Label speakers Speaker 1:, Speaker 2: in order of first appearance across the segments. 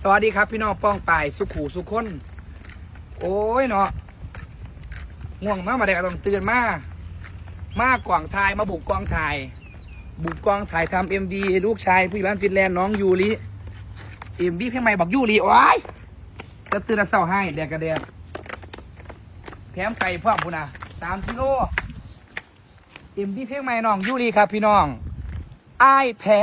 Speaker 1: สวัสดีครับพี่น้องป้องปายสุขูสุขคนโอ้ยเนาะง่วงมาได้ก็ต้องตื่นมากว่างถ่ายมาบุกกองถ่ายทำMVลูกชายผู้ใหญ่บ้านฟินแลนด์น้องยูริMVเพลงใหม่บอกยูริโอ้ยจะตื่นเศร้าให้แดกกระเดียแถมไก่พ่อบุญนะ3 กิโลMVเพลงใหม่น้องยูริครับพี่น้องอ้ายแพ้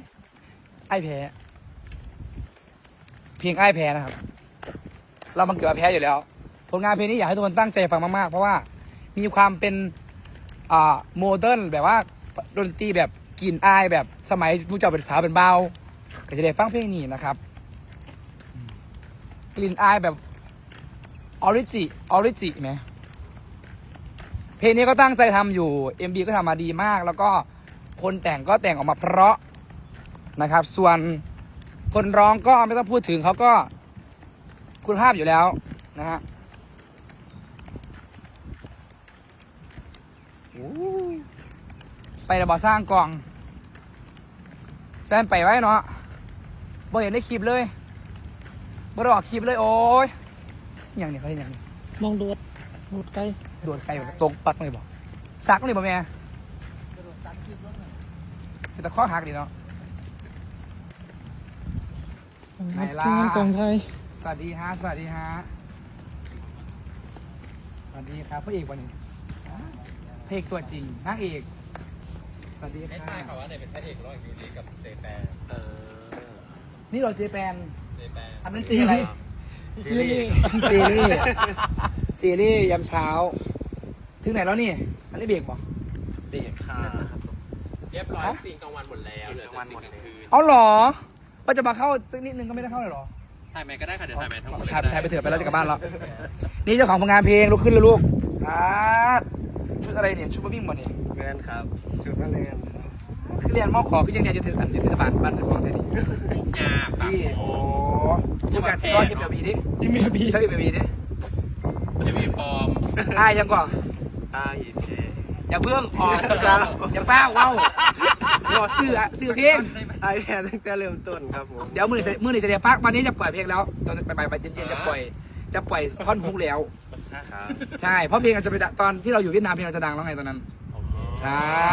Speaker 1: เพลงอ้ายแพ้นะครับเรามันเกิดมาแพ้อยู่แล้วผลงานเพลงนี้อยากให้ทุกคนตั้งใจฟังมากๆเพราะว่ามีความเป็นโมเดิร์นแบบว่าดนตรีแบบกลิ่นอายแบบสมัยผู้เจ้าเป็นสาวเป็นเบาก็จะได้ฟังเพลงนี้นะครับกลิ่นอายแบบออริจิไหมเพลงนี้ก็ตั้งใจทำอยู่ MV ก็ทำมาดีมากแล้วก็คนแต่งก็แต่งออกมาเพราะนะครับส่วนคนร้องก็ไม่ต้องพูดถึงเขาก็คุณภาพอยู่แล้วนะฮะไปแต่บ่อสร้างกล่องแฟนไปไว้เนาะบ่เห็นได้คลิปเลยบ่ได้ออกคลิปเลยโอ้ยอย่างนี้เขาเห็นอย่างนี้
Speaker 2: มองโดดไกล
Speaker 1: โดนไกลตรงปักเลยบอกซักเลยบ่แม่แต่ข้อหักดีเนาะ ไหนล่ะ
Speaker 2: ทีมงานกองไทย
Speaker 1: สวัสดีฮะสวัสดีครับพระเอกวันนี้พระเอกตัวจริงนางเอกสวัสดีค่ะ
Speaker 3: ไม่ใช่ค่ะว่าไหนเป็นพระเอกระหว่างยูริกับเจแปน
Speaker 1: นี่เราเจแปน
Speaker 3: เจแปน
Speaker 1: อันนั้นเจอะไร
Speaker 2: เจเล่
Speaker 1: เจลี่ยามเช้า ถึงไหนแล้วนี่ อันนี้เบรกป่ะ
Speaker 4: เด็กค่ะ
Speaker 3: เรียบร้อยซีนกลางวันหมดแล้วเหลือแต่ซีนกลางคืน
Speaker 1: เอาเหรอว่าจะมาเข้าสักนิดนึงก็ไม่ได้เข้าเลยเหรอ
Speaker 3: ถ่ายไหมก็ได้ค่ะเดี๋ยวถ่ายไหมทั้งหมดเลย
Speaker 1: ถ่ายไปเถอะไปแล้วจะกลับบ้านแล้วนี่เจ้าของผลงานเพลงลุกขึ้นเลยลูกชุดอะไรเนี่ยชุดมาวิ่งบ่เนี่ย
Speaker 4: แมนครับชุดนักเรียนครับ
Speaker 1: คือเรียนมอขอคือยังเรียนอยู่เทศบาลบ้านของไทยนี่
Speaker 3: งาปาก
Speaker 1: ที่
Speaker 3: โอ้
Speaker 1: ทุกการร้อยเอ็มบีดิ
Speaker 2: ที่เมียบี
Speaker 1: ร้อยเอ็มบีดิ
Speaker 3: เจมีปลอม
Speaker 1: ยังก่อน
Speaker 4: อีเค
Speaker 1: อย่าเพิ่งออกอย่าเป้าว้าวรอซื้อเพลง
Speaker 4: ไอแพนตั้งแต่เริ่มต้นครับผม
Speaker 1: เดี๋ยวมือนี้จะเรียกฟักวันนี้จะปล่อยเพลงแล้วตอนไปเย็นๆจะปล่อยท่อนฮุกแล้ว
Speaker 4: ครับ
Speaker 1: ใช่เพราะเพลงอาจจะไปตอนที่เราอยู่เวียดนามเพลงเราจะดังแล้วไงตอนนั้น ใช่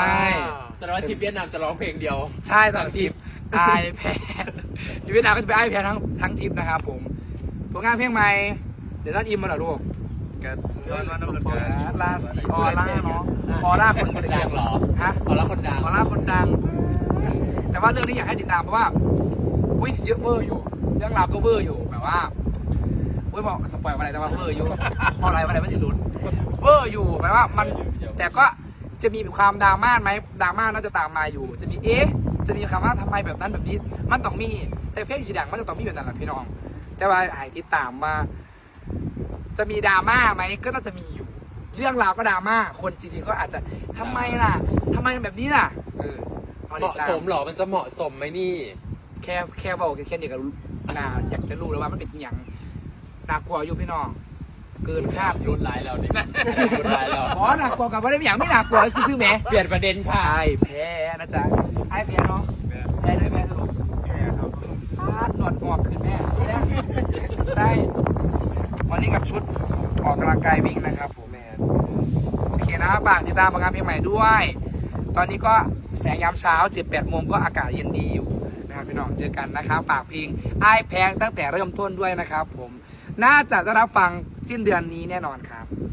Speaker 3: แสดงว่าทีมเวียดนามจะร้องเพลงเดียว
Speaker 1: ใช่ตอนทริปไอแพดอยู่เวียดนามก็จะไปไอแพดทั้งทริปนะครับผมผลงานเพลงใหม่เดี๋ยวนัดอิมมาเหรอลูก
Speaker 4: กันนอนวันน้ำกัน
Speaker 1: ราศีออร่าเนาะออร่าคน
Speaker 3: ดังเหรอ
Speaker 1: ฮะ
Speaker 3: เอาละคนดัง
Speaker 1: ออร่าคนดัง แต่ว่าเรื่องนี้อยากให้ติดตามเพราะว่าอุ้ยเยอะเวอร์อยู่ เรื่องราวก็เวอร์อยู่แบบว่าอุ้ยบอกสปอยล์อะไรแต่ว่าเวอร์อยู่พออะไรวันไหนไม่ถึงลุ้นเวอร์อยู่แปลว่ามันแต่ก็จะมีความดราม่าไหมดราม่าน่าจะตามมาอยู่ จะมีจะมีคำว่าทำไมแบบนั้นแบบนี้มันต้องมีแต่เพลงสีดังมันจะต้องมีแบบนั้นแหละพี่น้อง แต่ว่าหายติดตามว่าจะมีดราม่าไหมก็น่าจะมีอยู่ เรื่องราวก็ดราม่าคนจริงๆก็อาจจะทำไมล่ะทำไมแบบนี้ล่ะอ
Speaker 3: เหมาะสมเหรอมันจะเหมาะสมไหมนี่
Speaker 1: แค่บอกแค่นี้ก็อยากจะรู้แล้วว่ามันเป็นอย่างน่ากลัวอยู่พี่น้องเกินคาดอยู่
Speaker 3: รุนร้ายแล้วนี่รุนร้ายแล้ว
Speaker 1: อ๋อน่ากลัวกับว่าได้อย่างไม่น่ากลัวซื้อแหม
Speaker 3: เปลี่ยนประเด็นค่ะ
Speaker 1: ไอ้แพ้นะจ๊ะไอ้แพ้เนาะแพ้ด้วยแพ้สรุป
Speaker 4: แพนครับ
Speaker 1: หนวดงอกขึ้นแน่ได้วันนี้กับชุดออกกำลังกายวิ่งนะครับผม
Speaker 4: แมน
Speaker 1: โอเคนะฝากติดตามผลงานเพลงใหม่ด้วย ตอนนี้ก็แสงยามเช้า 7-8 โมงก็อากาศเย็นดีอยู่นะครับพี่น้องเจอกันนะครับฝากเพลงไอ้แพงตั้งแต่เริ่มต้นด้วยนะครับผมน่าจะได้รับฟังสิ้นเดือนนี้แน่นอนครับ